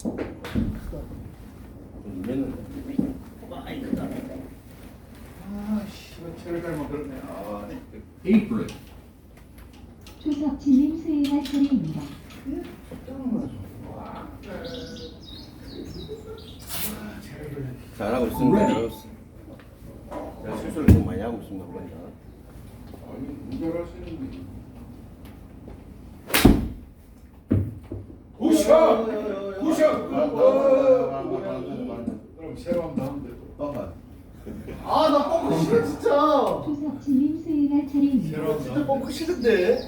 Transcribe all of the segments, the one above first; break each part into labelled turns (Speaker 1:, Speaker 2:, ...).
Speaker 1: 눌렸는데.
Speaker 2: 많이 크다.
Speaker 3: 아씨, 체를 갈면 그러네. 아,
Speaker 4: Apron.
Speaker 5: 조석진님 수행할 차례입니다.
Speaker 1: 잘하고 있습니다. 잘하고 있어. 제가 실수를 좀 많이 하고 있습니다. 그러니까.
Speaker 3: 아니, 운전하시는데. 굿샷! 굿샷! 그럼 새로 한번 하면 돼.
Speaker 2: 아, 나 뻥크 싫어 진짜.
Speaker 5: 조석진님 수행할 차례입니다.
Speaker 3: 새로
Speaker 2: 진짜
Speaker 3: 한번.
Speaker 2: 뻥크 싫은데.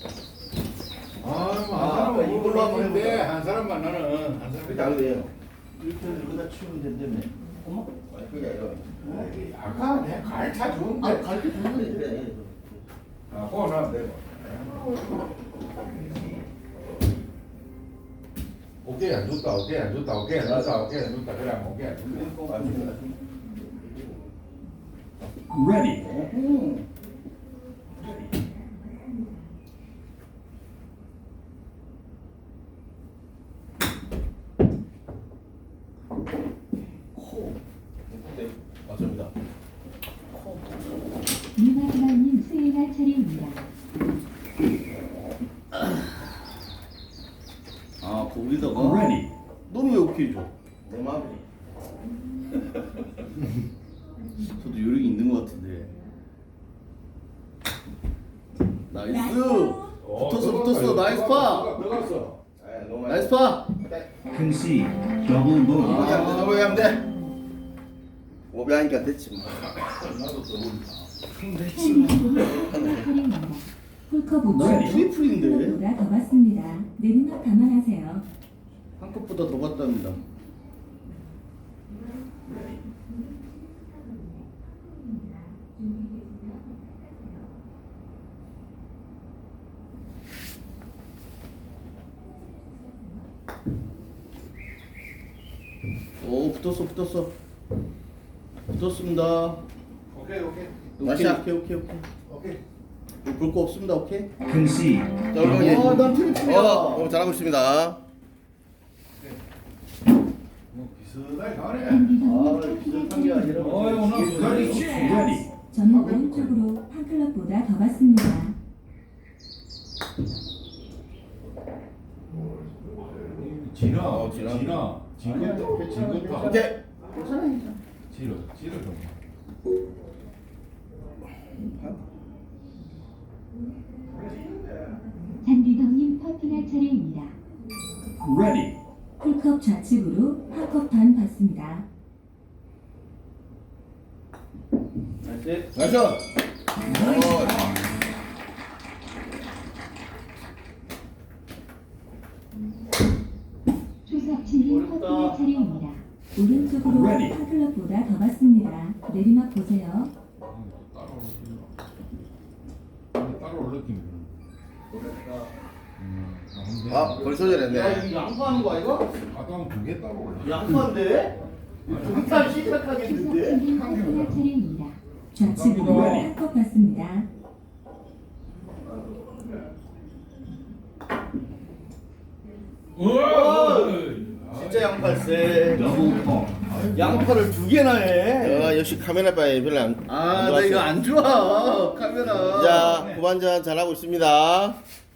Speaker 3: 한 사람은 이걸로 하면 되는데 한 사람만 나는 한
Speaker 1: 그게
Speaker 3: 사람.
Speaker 1: 안 돼요.
Speaker 2: 이렇게 여기다 치우면 된다며. 어머?
Speaker 1: 아니, 그게 아니라.
Speaker 3: 아이, 아까 내 갈차 좋은데.
Speaker 2: 아, 갈게 좋은데.
Speaker 1: 그래.
Speaker 3: 아, 그거 나면 되고. 오케이 안 좋다, 오케이 안 좋다, 오케이 안 좋다, 오케이 안 좋다. 그래, 오케이 안 좋다.
Speaker 4: Ready.
Speaker 1: 네, 맞습니다.
Speaker 5: 이마지막님 수행할 차례입니다.
Speaker 2: 아, 거기다가
Speaker 4: Ready.
Speaker 2: 너는 왜 오케이 줘?
Speaker 1: 내 마음이.
Speaker 2: 저도 요령이 있는 것 같은데. 나이스. 붙었어. 나이스 파.
Speaker 3: 들어갔어.
Speaker 1: 아, 너무 많이.
Speaker 2: 나이스 파.
Speaker 4: Concede. Double bogey.
Speaker 1: 저거 하면 돼. 오비 하니까 됐지 뭐.
Speaker 3: 나도 써보니까.
Speaker 5: 샌디님 수행할 차례입니다. 홀컵보다
Speaker 4: Ready.
Speaker 2: 트리플인데.
Speaker 5: 보다 더 받습니다. 내리막 감안하세요.
Speaker 2: 한 컵보다 더 받답니다. 오, 붙었어. 붙었습니다.
Speaker 3: 오케이.
Speaker 1: 마샤.
Speaker 2: 오케이. 볼 거 없습니다. 오케이.
Speaker 4: Concede.
Speaker 1: 자, 얼마나
Speaker 2: 아, 난 트리플이야.
Speaker 1: 잘하고 있습니다.
Speaker 3: 뭐 비슷하게 가네.
Speaker 5: 샌디님
Speaker 2: 비슷한 게 아니라.
Speaker 3: 어이, 오늘 부산이 있지.
Speaker 4: Ready.
Speaker 5: 저는 오른쪽으로 한 클럽보다 더 받습니다.
Speaker 3: 진아.
Speaker 1: 진아.
Speaker 3: 진급타.
Speaker 1: 오케이.
Speaker 3: 지르 좀.
Speaker 5: 잔디덕님 퍼팅할 차례입니다.
Speaker 4: Ready.
Speaker 5: 풀컵 좌측으로 한컵 반 받습니다.
Speaker 2: 나이스.
Speaker 1: 나이스.
Speaker 5: 조석진님
Speaker 2: 어렵다.
Speaker 5: 퍼팅할 차례입니다. 오른쪽으로
Speaker 4: Ready.
Speaker 5: 한 클럽보다 더 받습니다. 내리막 보세요.
Speaker 3: 따로 올렸긴.
Speaker 1: 아, 벌써
Speaker 2: 야,
Speaker 1: 저랬네.
Speaker 2: 이거 양보하는 거 아이가?
Speaker 3: 아까 두개 따로 올렸.
Speaker 2: 양보한데? 일단 시작하겠는데?
Speaker 5: 조석진님 퍼팅할 차례입니다. 좌측으로 한컵 받습니다.
Speaker 2: 진짜 양팔세.
Speaker 4: Double ball.
Speaker 2: 양팔을 두 개나 해.
Speaker 1: 아, 역시 카메라 바에 별로 안
Speaker 2: 아, 나
Speaker 1: 좋았어요.
Speaker 2: 이거 안 좋아. 카메라.
Speaker 1: 자, 후반전 잘하고 있습니다.